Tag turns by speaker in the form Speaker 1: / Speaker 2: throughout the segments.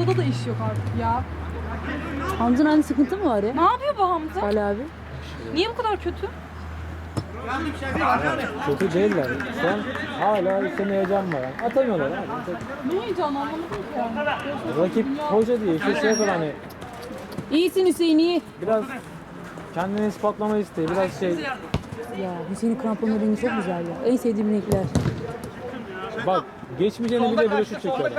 Speaker 1: Hamza'da da iş yok artık ya.
Speaker 2: Hamza'nın aynı sıkıntı mı var ya?
Speaker 1: Ne yapıyor bu Hamza?
Speaker 2: Ali abi.
Speaker 1: Niye bu kadar kötü?
Speaker 3: Kötü değiller. Şu an hala üstüne heyecan var. Yani. Atamıyorlar abi.
Speaker 1: Ne heyecan anlamadım ki yani.
Speaker 3: Rakip hoca diye işte şey yapar hani
Speaker 2: İyisin Hüseyin, iyi.
Speaker 3: biraz kendini ispatlama isteği, biraz şey.
Speaker 2: Ya Hüseyin'in kramponlu rengi çok güzel ya. En sevdiğim renkler.
Speaker 3: Bak geçmeyeceğini bile böyle şut çekiyor.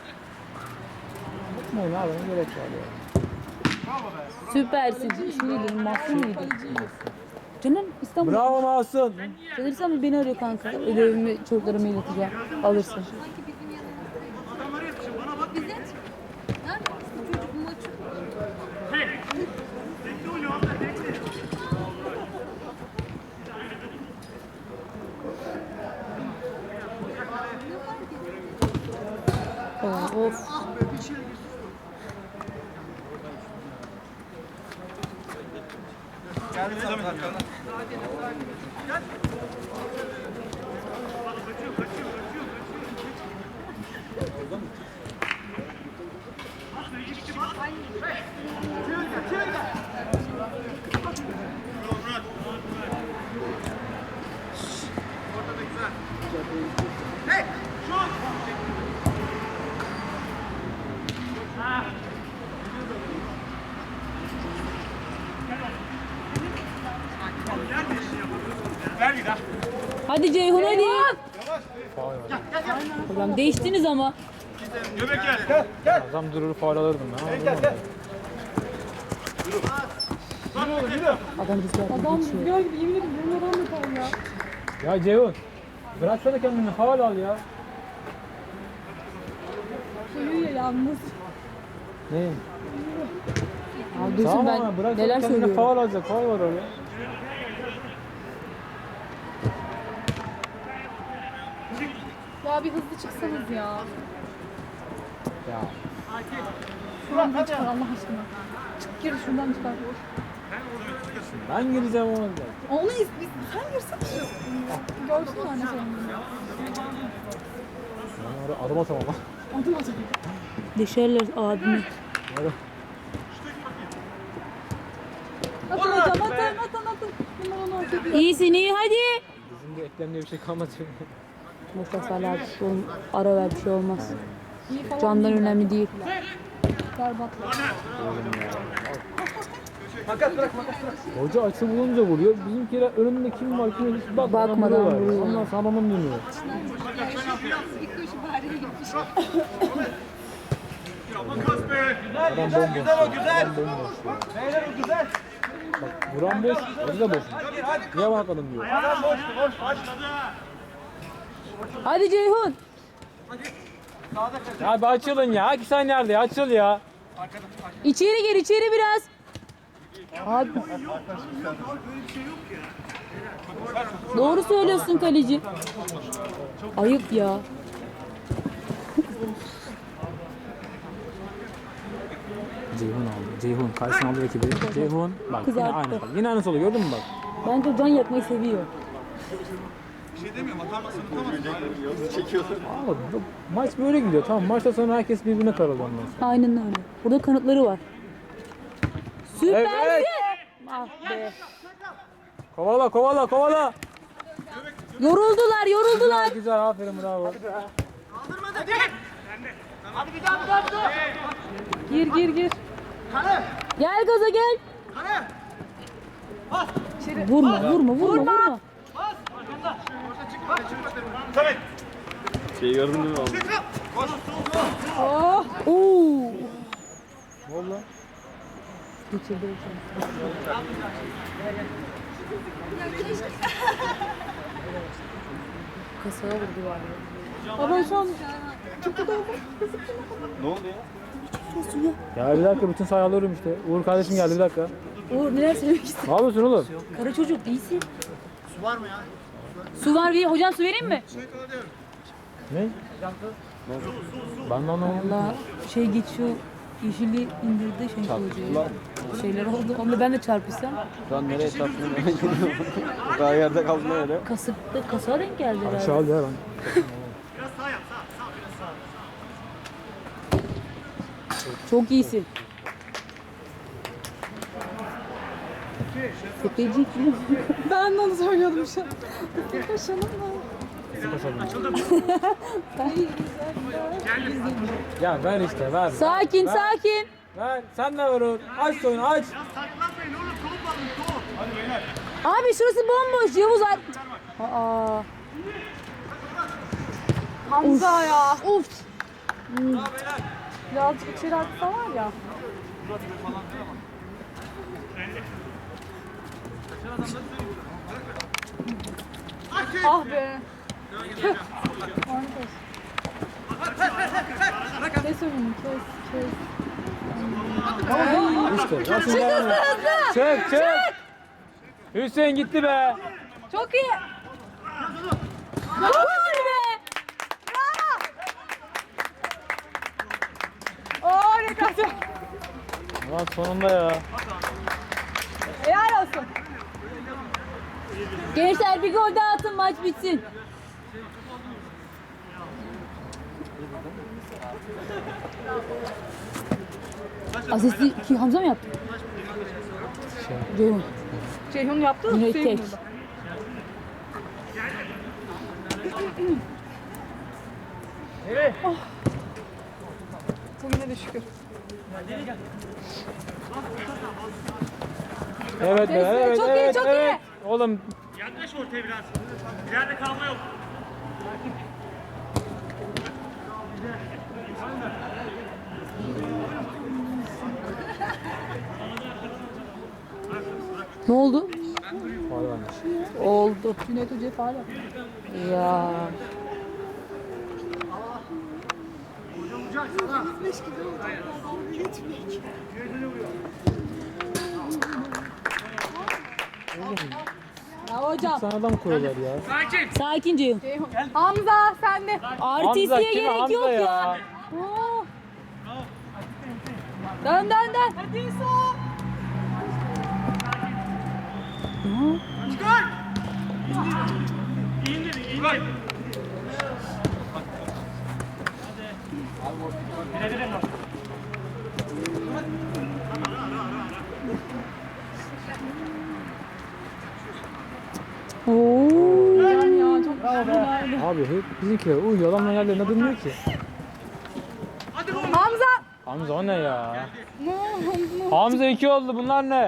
Speaker 3: Ne yapalım gerek var ya.
Speaker 2: Süpersin. Şuydu, Mahsun muydu? Canım İstanbul.
Speaker 3: Bravo Mahsun.
Speaker 2: Sanırsam beni arıyor kanka. Ödevimi çocuklarıma ileteceğim. Alırsın. Of. Hadi Ceyhun hadi. Ulan değiştiniz ama.
Speaker 3: Adam durur faul alırdım ben.
Speaker 2: Adam rüzgar
Speaker 1: Adam
Speaker 2: geçiyor.
Speaker 1: rüzgar gibi yemin ederim bunun adam yapar ya.
Speaker 3: Ya Ceyhun bıraksana kendini faul al ya.
Speaker 1: Uyuyor ya yalnız.
Speaker 3: Ne?
Speaker 2: Abi duysun
Speaker 3: Tamam
Speaker 2: ben
Speaker 3: ama bıraksana
Speaker 2: neler
Speaker 3: kendini
Speaker 2: söylüyorum.
Speaker 3: faul alacak. Faul var oraya.
Speaker 1: Ya bir hızlı çıksanız ya.
Speaker 3: Ya.
Speaker 1: Şuradan çıkar Allah aşkına. Çık gir şuradan çıkar.
Speaker 3: Ben gireceğim ona da.
Speaker 1: Onu sen girsene şu. Görsün anne senin.
Speaker 3: Ben oraya adım atamam lan.
Speaker 1: Adım adım.
Speaker 2: Deşerler abimi.
Speaker 1: Atın hocam atın. Bunlar onu hak ediyor.
Speaker 2: İyisin iyi hadi.
Speaker 3: Bizim de eklemde bir şey kalmadı.
Speaker 2: Boşver Salih abi. Oğlum ara ver bir şey olmaz.
Speaker 1: İyi falan
Speaker 2: Candan
Speaker 1: değil.
Speaker 2: önemli değil.
Speaker 1: Berbat.
Speaker 3: Hoca açı bulunca vuruyor. Bizimkiler önünde kim var kim yok hiç
Speaker 2: Bakmadan vuruyor.
Speaker 3: Ondan sonra babam dönüyor. Adam bomboş.
Speaker 4: Güzel o güzel.
Speaker 3: Adam bomboş.
Speaker 4: Beyler o güzel.
Speaker 3: Bak vuran boş, hoca da boş. Niye bakmadın diyor.
Speaker 4: Adam boş boş.
Speaker 2: Hadi Ceyhun.
Speaker 3: Ya bir açılın ya. 2 saniye nerede ya? Açıl ya.
Speaker 2: İçeri gir içeri biraz. Abi. Doğru söylüyorsun kaleci. Ayıp ya.
Speaker 3: Ceyhun aldı. Ceyhun. Karşısına aldı rakibi. Ceyhun. Bak yine
Speaker 2: Kızarttı.
Speaker 3: aynı. Bak. Yine aynısı oluyor. Gördün mü bak?
Speaker 2: Bence o can yakmayı seviyor.
Speaker 3: Ama bu maç böyle gidiyor. Tamam maçta sonra herkes birbirine karıldı ondan sonra.
Speaker 2: Aynen öyle. Burada kanıtları var. Süpersin.
Speaker 3: Evet.
Speaker 2: Ah be.
Speaker 3: Kovala kovala kovala.
Speaker 2: Yoruldular.
Speaker 3: Güzel aferin bravo.
Speaker 4: Hadi bir daha.
Speaker 1: Gir.
Speaker 2: Gel gaza gel. Vurma.
Speaker 4: Tabii.
Speaker 5: Şey gördün mü abi?
Speaker 2: Oo.
Speaker 3: Ne oldu lan?
Speaker 2: Geçirdi. Kasaya vurdu var ya.
Speaker 1: Ama şu an
Speaker 5: Ne oldu ya?
Speaker 3: Ya bir dakika bütün sayı alıyorum işte. Uğur kardeşim geldi bir dakika.
Speaker 2: Uğur neler söylemek istiyorsun?
Speaker 3: Ne yapıyorsun oğlum?
Speaker 2: Kara çocuk değilsin.
Speaker 4: Su var mı ya?
Speaker 2: Su var diye hocam su vereyim mi?
Speaker 3: Ne? Ben de anlamadım.
Speaker 2: Valla şey geçiyor. Yeşili indirdi şey hocaya. Şeyler oldu. Onunla ben de çarpışsam.
Speaker 5: Şu an nereye çarptın? Daha yerde kaldın öyle.
Speaker 2: Kasıkta kasaya denk geldi herhalde.
Speaker 3: Aşağı al ya ben.
Speaker 2: Çok iyisin. Tepeci.
Speaker 1: Ben de onu söylüyordum şu an. Koşalım mı?
Speaker 3: Ya ver işte ver.
Speaker 2: Sakin sakin.
Speaker 3: Ver. Sen de ver o. Aç oyunu aç.
Speaker 4: Saklanmayın oğlum. Top alın top. Hadi beyler.
Speaker 2: Abi şurası bomboş. Yavuz at. Aa.
Speaker 1: Hamza ya.
Speaker 2: Uf.
Speaker 1: Birazcık içeri atsa var ya. Ah be. Kes önünü kes.
Speaker 3: İşte. Nasıl yani? Çık çık. Hüseyin gitti be.
Speaker 2: Çok iyi. Gol be.
Speaker 1: Harikasın.
Speaker 3: Ulan sonunda ya.
Speaker 1: Helal olsun.
Speaker 2: Gençler bir gol daha atın maç bitsin. Asisti ki Hamza mı yaptı? Ceyhun.
Speaker 1: Ceyhun yaptı da
Speaker 2: Yine
Speaker 1: Hüseyin
Speaker 2: tek.
Speaker 1: burada. Oh. Bugüne de şükür.
Speaker 3: Evet be, evet
Speaker 2: çok iyi,
Speaker 3: evet
Speaker 2: çok
Speaker 3: evet. Oğlum
Speaker 4: Yaklaş ortaya biraz. İleride kalma yok.
Speaker 2: Ne oldu?
Speaker 3: faul varmış.
Speaker 2: Oldu.
Speaker 1: Cüneyt Hoca'ya faal yaptı.
Speaker 2: Ya. Ya hocam.
Speaker 3: Sana da mı koyuyorlar ya?
Speaker 2: Sakin Ceyhun.
Speaker 1: Ceyhun. Hamza sen de.
Speaker 2: Artistliğe
Speaker 3: kim
Speaker 2: gerek
Speaker 3: Hamza
Speaker 2: yok ya.
Speaker 3: ya?
Speaker 2: Oo. Dön dön dön.
Speaker 1: Hadi İsa.
Speaker 4: İndir indir.
Speaker 2: Oo.
Speaker 1: Can ya çok güzel.
Speaker 3: Abi hep bizimkiler uyuyor. Adamlar yerlerine durmuyor ki.
Speaker 1: Hamza.
Speaker 3: Hamza o ne ya? Hamza 2 oldu. Bunlar ne?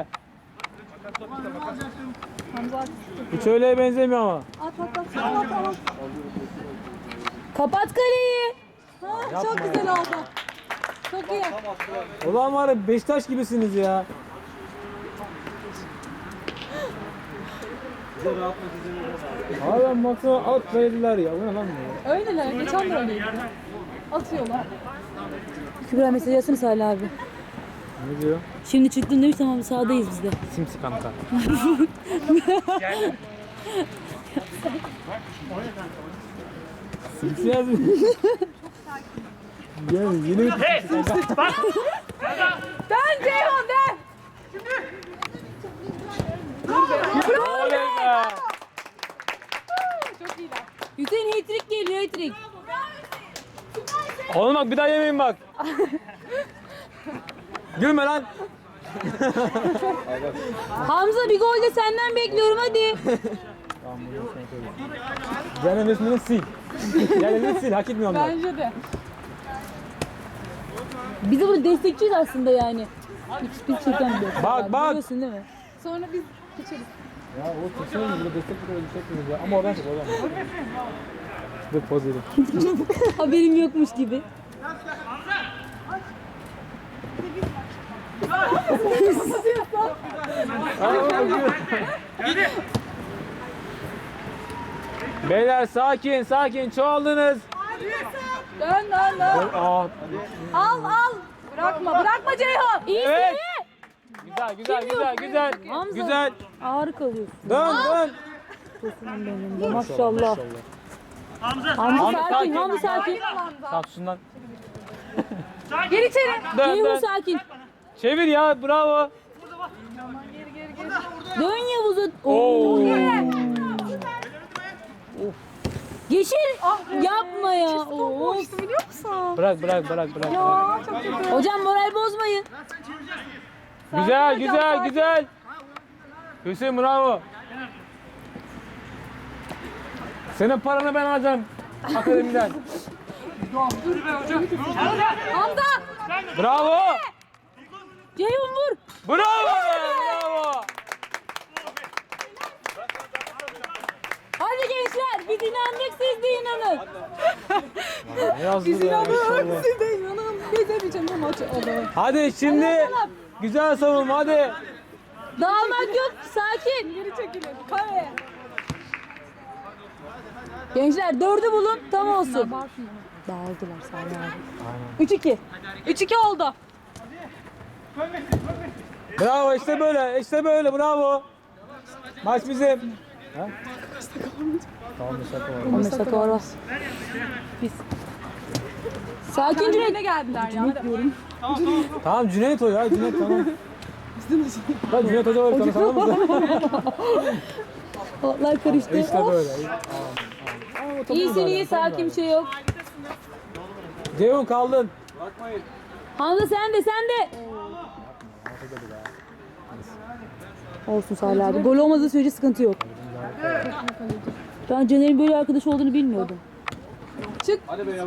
Speaker 1: Hamza at.
Speaker 3: Hiç öyleye benzemiyor ama.
Speaker 1: At.
Speaker 2: Kapat kaleyi.
Speaker 1: Ha, çok güzel oldu. Çok iyi.
Speaker 3: Ulan var ya Beşiktaş gibisiniz ya. Adam baksana alt verdiler ya. Bu ne lan bu?
Speaker 1: Öyleler. Geçen de öyleydi. Atıyorlar.
Speaker 2: Kübra mesaj yazsana Salih abi.
Speaker 3: Ne diyor?
Speaker 2: Şimdi çıktın demiş tamam sahadayız biz de.
Speaker 3: Simsi kanka. Simsi yazmış. Gel yeni bir
Speaker 4: Hey! Bak!
Speaker 1: Dön Ceyhun dön.
Speaker 3: oley be.
Speaker 1: Çok iyiler.
Speaker 2: Hüseyin hat-trick geliyor hat-trick.
Speaker 3: Oğlum bak bir daha yemeyin bak. Gülme lan.
Speaker 2: Hamza bir gol de senden bekliyorum hadi.
Speaker 3: Tamam bunu sen söyle. Caner resmini sil. Caner'ini sil. Hak etmiyor onlar.
Speaker 1: Bence de.
Speaker 2: Biz de burada destekçiyiz aslında yani. Biz çeken bir
Speaker 3: Bak, bak.
Speaker 2: Biliyorsun değil mi?
Speaker 1: Sonra biz geçeriz.
Speaker 3: Ya o kesin burada destek bir destek ya. Ama oradan çık oradan. Dur poz verin.
Speaker 2: Haberim yokmuş gibi.
Speaker 3: Beyler sakin sakin çoğaldınız.
Speaker 1: Dön.
Speaker 3: Aa,
Speaker 1: Al. Bırakma Ceyhun.
Speaker 2: İyi
Speaker 3: evet.
Speaker 2: iyi.
Speaker 3: Güzel güzel güzel.
Speaker 2: Hamza.
Speaker 3: Güzel.
Speaker 2: Ağır kalıyorsun.
Speaker 3: Dön.
Speaker 2: Benim de maşallah.
Speaker 4: Hamza!
Speaker 2: Hamza
Speaker 3: Hamza
Speaker 2: sakin,
Speaker 3: sakin.
Speaker 2: Hamza sakin.
Speaker 3: Tamam şundan.
Speaker 1: Gir içeri.
Speaker 3: Dön
Speaker 2: Ceyhun
Speaker 3: dön.
Speaker 2: sakin.
Speaker 3: Çevir ya bravo.
Speaker 2: Dön Yavuz'a.
Speaker 3: Oo.
Speaker 2: Yeşil. Yapma ya. Of.
Speaker 1: Boştu biliyor musun?
Speaker 3: Bırak.
Speaker 1: Ya çok kötü.
Speaker 2: Hocam moral bozmayın.
Speaker 3: Güzel. Hüseyin bravo. Senin paranı ben alacağım akademiden.
Speaker 1: Hamza.
Speaker 3: Bravo.
Speaker 2: Ceyhun vur.
Speaker 3: Bravo.
Speaker 2: Hadi gençler biz inandık siz de inanın.
Speaker 3: Ne yazdı
Speaker 1: Biz
Speaker 3: ya,
Speaker 1: inanıyoruz.
Speaker 3: inşallah.
Speaker 1: Siz de inanın. Biz de bir bu maçı alalım.
Speaker 3: Hadi şimdi güzel savunma hadi.
Speaker 2: Dağılmak yok sakin.
Speaker 1: Geri çekilin. Kare.
Speaker 2: Gençler 4'ü bulun tam olsun. Dağıldılar Salih abi. 3-2.
Speaker 1: 3-2 oldu.
Speaker 3: Bravo işte böyle bravo. Maç bizim. Ha? Tamam şaka var.
Speaker 2: 15 dakika var. Biz. Sakin Cüneyt.
Speaker 1: Ne geldiler ya?
Speaker 3: Tamam Cüneyt o ya Cüneyt tamam. Bak Cüneyt Hoca var sana sanır mısın?
Speaker 2: Otlar karıştı.
Speaker 3: İşte böyle.
Speaker 2: İyisin iyi sakin bir şey yok.
Speaker 3: Ceyhun kaldın.
Speaker 2: Hamza sen de. Olsun Salih abi. Gol olmadığı sürece sıkıntı yok. Ben Caner'in böyle arkadaş olduğunu bilmiyordum.
Speaker 1: Çık.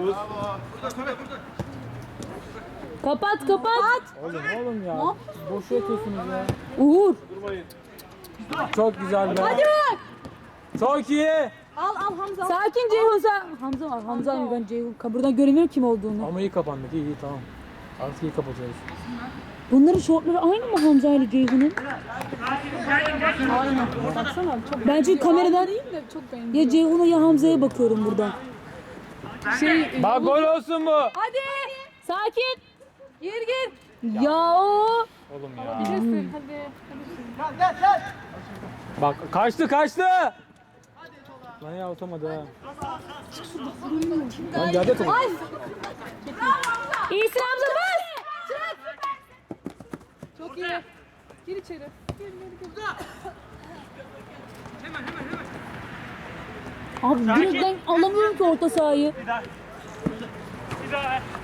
Speaker 2: Kapat.
Speaker 3: Oğlum ya. Boş yatıyorsunuz ya.
Speaker 2: Uğur.
Speaker 3: Çok güzel be.
Speaker 2: Hadi bak.
Speaker 3: Çok iyi.
Speaker 1: Al Hamza.
Speaker 2: Sakin Ceyhun Hamza var. Hamza mı ben Ceyhun. Buradan göremiyorum kim olduğunu.
Speaker 3: Ama iyi kapandık iyi tamam. Artık iyi kapatıyoruz.
Speaker 2: Bunların şortları aynı mı Hamza ile Ceyhun'un?
Speaker 1: Baksana çok
Speaker 2: Ben çünkü kameradan
Speaker 1: değil de çok benziyor.
Speaker 2: ya Ceyhun'a ya Hamza'ya bakıyorum buradan.
Speaker 3: Bak gol olsun bu.
Speaker 2: Hadi. Sakin. Gir. Ya o.
Speaker 3: Oğlum ya.
Speaker 1: Bilirsin hadi.
Speaker 3: Bak kaçtı. Lan ya atamadı ha. Lan geldi top.
Speaker 2: İyisin Hamza bas.
Speaker 1: Çok iyi. Gir içeri. Gir.
Speaker 2: Abi direkten alamıyorum ki orta sahayı.
Speaker 4: Bir daha ver.